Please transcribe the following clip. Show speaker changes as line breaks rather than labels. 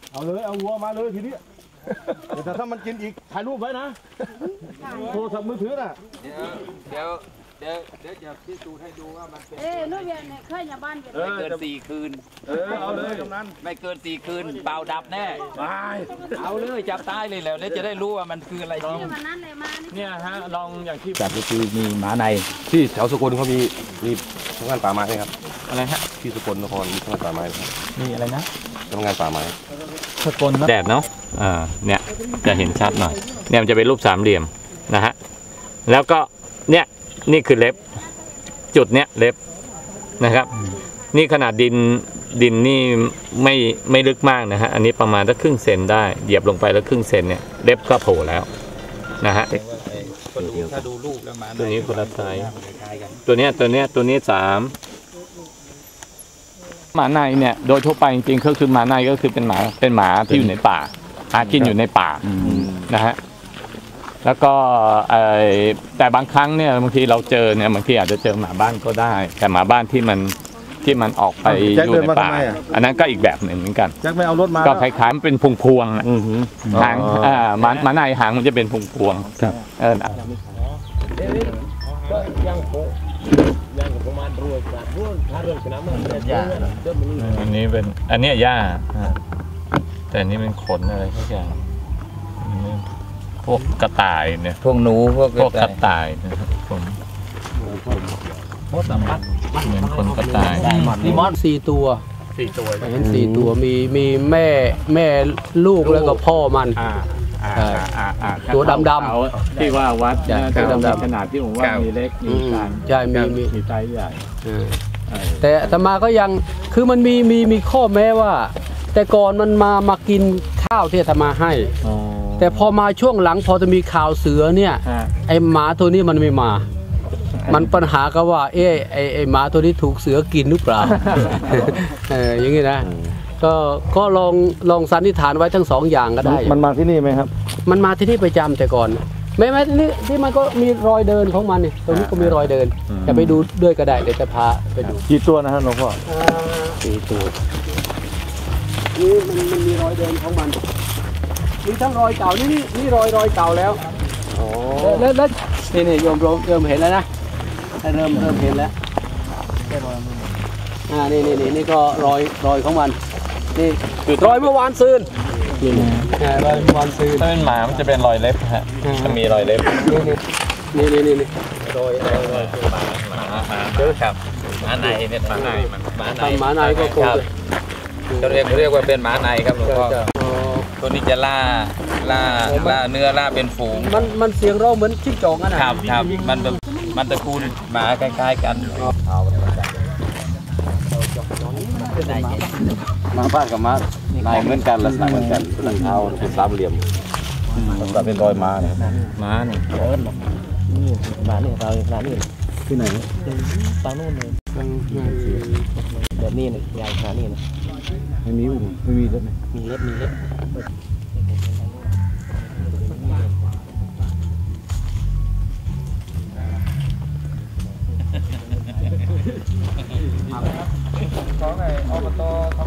เอาเลยเอาวัวมาเลยทีนี้แต่ถ้ามันกินอีกถ่ายรูปไว้นะโทรศัพท์มือถือน่ะ
เดี๋ยวจะพิสูจน์ให้ดูว่ามันเป็น
นู่นเนี่ยเคยอย่าบ้าน
ไม่เกิน4 คืน
เอาเลยตรงนั้น
ไม่เกิน4 คืนเปล่าดับแน่เอาเลยจับตายเลยแล้วจะได้รู้ว่ามันคืออะไรจริง
เนี่ยฮะลองอย่างที่
แบบก็คือมีหมาใน
ที่แถวสกลเขามีทำงานป่าไม้ไหมครับ
อะไรฮะ
ที่สกลนครมีทำงานป่าไม้
มีอะไรนะ
ทำงานป่าไม้
สกลแดดเนาะเนี่ยจะเห็นชัดหน่อยเนี่ยมันจะเป็นรูปสามเหลี่ยมนะฮะแล้วก็เนี่ยนี่คือเล็บจุดเนี้ยเล็บนะครับนี่ขนาดดินนี่ไม่ลึกมากนะฮะอันนี้ประมาณสักครึ่งเซนได้เหยียบลงไปแล้วครึ่งเซนเนี่ยเล็บก็โผล่แล้วนะฮะ
ถ้าดูรูปแล้วมา
ตัวนี้คนละไซส์ตัวนี้3หมาในเนี่ยโดยทั่วไปจริงๆก็คือหมาในก็คือเป็นหมาที่อยู่ในป่าหากินอยู่ในป่านะฮะแล้วก็แต่บางครั้งเนี่ยบางทีเราเจอเนี่ยบางทีอาจจะเจอหมาบ้านก็ได้แต่หมาบ้านที่มันออกไปอยู่ในป่าอันนั้นก็อีกแบบหนึ่งเหมือนกัน
แจ็คไม่เอารถมา
ก็คล้ายๆมันเป็นพวงหางหมาในหางมันจะเป็นพวง
ครับ
อันนี้เป็นอันนี้หญ้าแต่อันนี้เป็นขนอะไรทุกอย่างพวกกระต่ายเนี่ย
พวกหนูพวก
กระต่ายนะครับผมเหมือนคนกระต่าย
มีมอส4 ตัวเห็น4 ตัวมีแม่ลูกแล้วก็พ่อมันตัวดำ
ๆที่ว่าวัดตัวดำๆขนาดที่ผมว่ามีเล็กมีกลาง
ใช่
มีไซส์ใหญ่
แต่อาตมาก็ยังคือมันมีข้อแม้ว่าแต่ก่อนมันมากินข้าวที่อาตมาให้แต่พอมาช่วงหลังพอจะมีข่าวเสือเนี่ยไอหมาตัวนี้มันไม่มามันปัญหาก็ว่าไอหมาตัวนี้ถูกเสือกินหรือเปล่าอย่างนี้นะก็ลองสันนิษฐานไว้ทั้ง2 อย่างก็ได้
มันมาที่นี่ไหมครับ
มันมาที่นี่ประจำแต่ก่อนไม่ที่มันก็มีรอยเดินของมันนี่ตรงนี้ก็มีรอยเดินจะไปดูด้วยก็ได้เดี๋ยวจะพาไปดู
กี่ตัวนะครับหลวงพ่อ
4 ตัวนี่มันมีรอยเดินของมันมีทั้งรอยเก่านี่รอยเก่าแล้วแล้วนี่โยมเริ่มเห็นแล้วนะเริ่มเห็นแล้วนี่ก็รอยของมันนี่รอยเมื่อวานซืนรอยเมื่อวานซืน
ถ้าเป็นหมามันจะเป็นรอยเล็บฮะจะมีรอยเล็บ
นี่รอย
เยอะครับหมาในเนี่ยหมาใน
ก็คง
เขาเรียกว่าเป็นหมาในครับหลวงพ่อตัวนี้จะล่าเนื้อล่าเป็นฝูง
มันเสียงร้องเหมือนจิ้งจอก
นะครับมันตระกูลหมาคล้ายๆกัน
มาบ้านกับม้าลายเหมือนกันลักษณะเหมือนกันเป็นเท้าเป็นสามเหลี่ยมมันก็เป็นรอยม้าเนี่ย
ม้าเนี่ย
ม้าเนี่ยเราม้านี่
ที่ไหน
ฝั่งนู้นเลยแบบนี้เนี่ยยาวขนาดนี้นะ
ไม่มีเล็บ
มีเล็บ
ของไอ้อบต